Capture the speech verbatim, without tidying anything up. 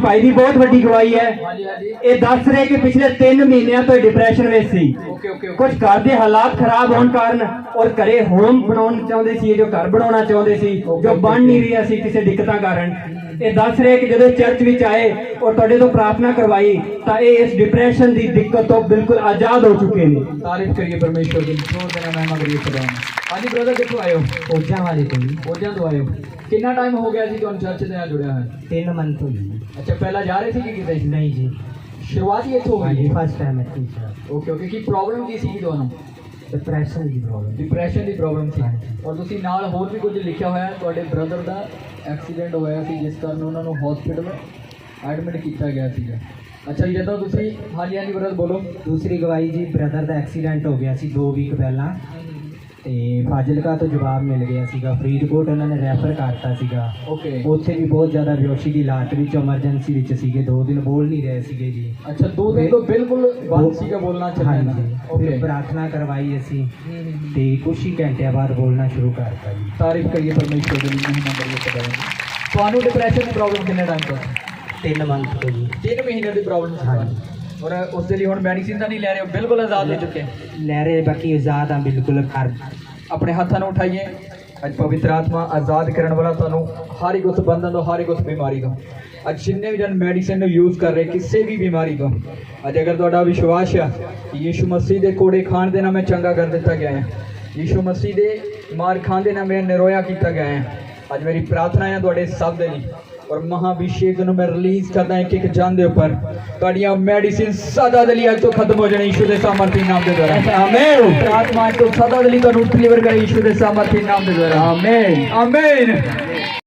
ਭਾਈ ਦੀ ਬਹੁਤ ਵੱਡੀ ਗਵਾਹੀ ਹੈ। ਇਹ ਦੱਸ ਰਹੇ ਕਿ ਪਿਛਲੇ ਤਿੰਨ ਮਹੀਨਿਆਂ ਤੋਂ ਡਿਪਰੈਸ਼ਨ ਵਿੱਚ ਸੀ। ਕੁਝ ਘਰ ਦੇ ਹਾਲਾਤ ਖਰਾਬ ਹੋਣ ਕਾਰਨ ਔਰ ਘਰੇ ਹੋਮ ਬਣਾਉਣ ਚਾਹੁੰਦੇ ਸੀ, ਜੋ ਘਰ ਬਣਾਉਣਾ ਚਾਹੁੰਦੇ ਸੀ, ਜੋ ਬਣ ਨਹੀਂ ਰਿਹਾ ਸੀ ਕਿਸੇ ਦਿੱਕਤਾਂ ਕਾਰਨ। ਇਹ ਦੱਸ ਰਹੇ ਕਿ ਜਦੋਂ ਚਰਚ ਵਿੱਚ ਆਏ ਔਰ ਤੁਹਾਡੇ ਤੋਂ ਪ੍ਰਾਰਥਨਾ ਕਰਵਾਈ ਤਾਂ ਇਹ ਇਸ ਡਿਪਰੈਸ਼ਨ ਦੀ ਦਿੱਕਤ ਤੋਂ ਬਿਲਕੁਲ ਆਜ਼ਾਦ ਹੋ ਚੁੱਕੇ ਨੇ। ਤਾਰੀਫ ਕਰੀਏ परमेश्वर की, जोर देना महिमा करिए खुदा। हाँ जी ब्रदर, कितों आए हो? ਫੌਜਾਂ ਵਾਲੇ ਤੋਂ ਜੀ फौजां तो आए हो। कितना टाइम हो गया जी तुहानू चर्च दे नाल जुड़िया है? ਤਿੰਨ ਮੰਥ ਹੋ ਗਏ। अच्छा, पहला जा रहे थे कि किते? ਨਹੀਂ ਜੀ, शुरुआत ही इत्थों ਹਾਂਜੀ हुई? ਫਸਟ ਟਾਈਮ ਇੱਥੇ ਹੀ ਸੀ। ओके ओके, की प्रॉब्लम की सी तुहानू? ਡਿਪਰੈਸ਼ਨ ਦੀ ਪ੍ਰੋਬਲਮ। ਡਿਪਰੈਸ਼ਨ ਦੀ ਪ੍ਰੋਬਲਮ ਸੀ ਔਰ ਤੁਸੀਂ ਨਾਲ ਹੋਰ ਵੀ ਕੁਝ ਲਿਖਿਆ ਹੋਇਆ ਹੈ। ਤੁਹਾਡੇ ਬ੍ਰਦਰ ਦਾ ਐਕਸੀਡੈਂਟ ਹੋਇਆ ਸੀ ਜਿਸ ਕਾਰਨ ਉਹਨਾਂ ਨੂੰ ਹਸਪੀਟਲ ਐਡਮਿਟ ਕੀਤਾ ਗਿਆ ਸੀਗਾ। ਅੱਛਾ ਜੀ, ਜਦੋਂ ਤੁਸੀਂ ਹਾਂਜੀ ਹਾਂਜੀ ਬ੍ਰਦਰ ਬੋਲੋ। ਦੂਸਰੀ ਗਵਾਹੀ ਜੀ, ਬ੍ਰਦਰ ਦਾ ਐਕਸੀਡੈਂਟ ਹੋ ਗਿਆ ਸੀ ਦੋ ਵੀਕ ਪਹਿਲਾਂ ਤੇ ਫਾਜ਼ਿਲਕਾ ਤੋਂ ਜਵਾਬ ਮਿਲ ਗਿਆ ਸੀਗਾ। ਫਰੀਦਕੋਟ ਉਹਨਾਂ ਨੇ ਰੈਫਰ ਕਰਤਾ ਸੀਗਾ। ਓਕੇ, ਉੱਥੇ ਵੀ ਬਹੁਤ ਜ਼ਿਆਦਾ ਬੇਹੋਸ਼ੀ ਦੀ ਹਾਲਤ ਵਿੱਚ ਐਮਰਜੈਂਸੀ ਵਿੱਚ ਸੀਗੇ। ਦੋ ਦਿਨ ਬੋਲ ਨਹੀਂ ਰਹੇ ਸੀਗੇ ਜੀ। ਅੱਛਾ, ਦੋ ਦਿਨ ਤੋਂ ਬਿਲਕੁਲ ਬੰਦ ਸੀਗਾ ਬੋਲਣਾ ਚੱਲਣਾ। ਹਾਂਜੀ, ਓਕੇ, ਫਿਰ ਪ੍ਰਾਰਥਨਾ ਕਰਵਾਈ ਅਸੀਂ ਤੇ ਕੁਛ ਹੀ ਘੰਟਿਆਂ ਬਾਅਦ ਬੋਲਣਾ ਸ਼ੁਰੂ ਕਰਤਾ ਜੀ। ਤਾਰੀਫ ਕਰੀਏ ਪਰਮੇਸ਼ਵਰ ਦੀ, ਮਹਿਮਾ ਕਰੀਏ ਖੁਦਾ ਦੀ। ਤੁਹਾਨੂੰ ਡਿਪਰੈਸ਼ਨ ਦੀ ਪ੍ਰੋਬਲਮ ਕਿੰਨੇ ਟਾਈਮ ਤੋਂ? ਤਿੰਨ ਮੰਥ ਤੋਂ ਜੀ। ਤਿੰਨ ਮਹੀਨੇ ਦੀ ਪ੍ਰੋਬਲਮ ਸੀ। ਹਾਂਜੀ, ਔਰ ਉਸ ਦੇ ਲਈ ਹੁਣ ਮੈਡੀਸਿਨ ਤਾਂ ਨਹੀਂ ਲੈ ਰਹੇ ਹੋ? ਬਿਲਕੁਲ ਆਜ਼ਾਦ ਹੋ ਚੁੱਕੇ? ਲੈ ਰਹੇ, ਬਾਕੀ ਆਜ਼ਾਦ ਆ ਬਿਲकुल। ਘਰ ਆਪਣੇ ਹੱਥਾਂ ਨੂੰ ਉਠਾਈਏ। ਅੱਜ ਪਵਿੱਤਰ ਆਤਮਾ ਆਜ਼ਾਦ ਕਰਨ ਵਾਲਾ ਤੁਹਾਨੂੰ ਹਰ ਇੱਕ ਉਸ ਬੰਧਨ ਤੋਂ, ਹਰ ਇੱਕ ਉਸ ਬਿਮਾਰੀ ਤੋਂ, ਅੱਜ ਜਿੰਨੇ ਵੀ ਜਨ ਮੈਡੀਸਿਨ ਨੂੰ ਯੂਜ਼ ਕਰ ਰਹੇ ਕਿਸੇ ਵੀ ਬਿਮਾਰੀ ਤੋਂ, ਅੱਜ ਅਗਰ ਤੁਹਾਡਾ ਵਿਸ਼ਵਾਸ ਹੈ ਕਿ ਯੀਸ਼ੂ ਮਸੀਹ ਦੇ ਕੋੜੇ ਖਾਣ ਦੇ ਨਾਲ ਮੈਂ ਚੰਗਾ ਕਰ ਦਿੱਤਾ ਗਿਆ ਹੈ, ਯੀਸ਼ੂ ਮਸੀਹ ਦੇ ਮਾਰ ਖਾਣ ਦੇ ਨਾਲ ਮੈਂ ਨਿਰੋਇਆ ਕੀਤਾ ਗਿਆ ਹੈ, ਅੱਜ ਮੇਰੀ ਪ੍ਰਾਰਥਨਾ ਹੈ ਤੁਹਾਡੇ ਸਭ ਦੇ ਲਈ ਔਰ ਮਹਾਭਿਸ਼ੇਕ ਨੂੰ ਮੈਂ ਰਿਲੀਜ਼ ਕਰਦਾ ਇੱਕ ਇੱਕ ਜਨ ਦੇ ਉੱਪਰ। ਤੁਹਾਡੀਆਂ ਮੈਡੀਸਿਨ ਸਦਾ ਦੇ ਲਈ ਅੱਜ ਤੋਂ ਖਤਮ ਹੋ ਜਾਣੀ ਯੀਸ਼ੂ ਦੇ ਸਾਮਰਥੀ ਨਾਮ ਦੇ ਦੁਆਰਾ। ਆਮੇਨ। ਪ੍ਰਾਰਥਨਾ ਅੱਜ ਤੋਂ ਸਦਾ ਦੇ ਲਈ ਤੁਹਾਨੂੰ ਡਿਲੀਵਰ ਕਰੇ ਯੀਸ਼ੂ ਦੇ ਸਾਮਰਥੀ ਨਾਮ ਦੇ ਦੁਆਰਾ। Amen amen.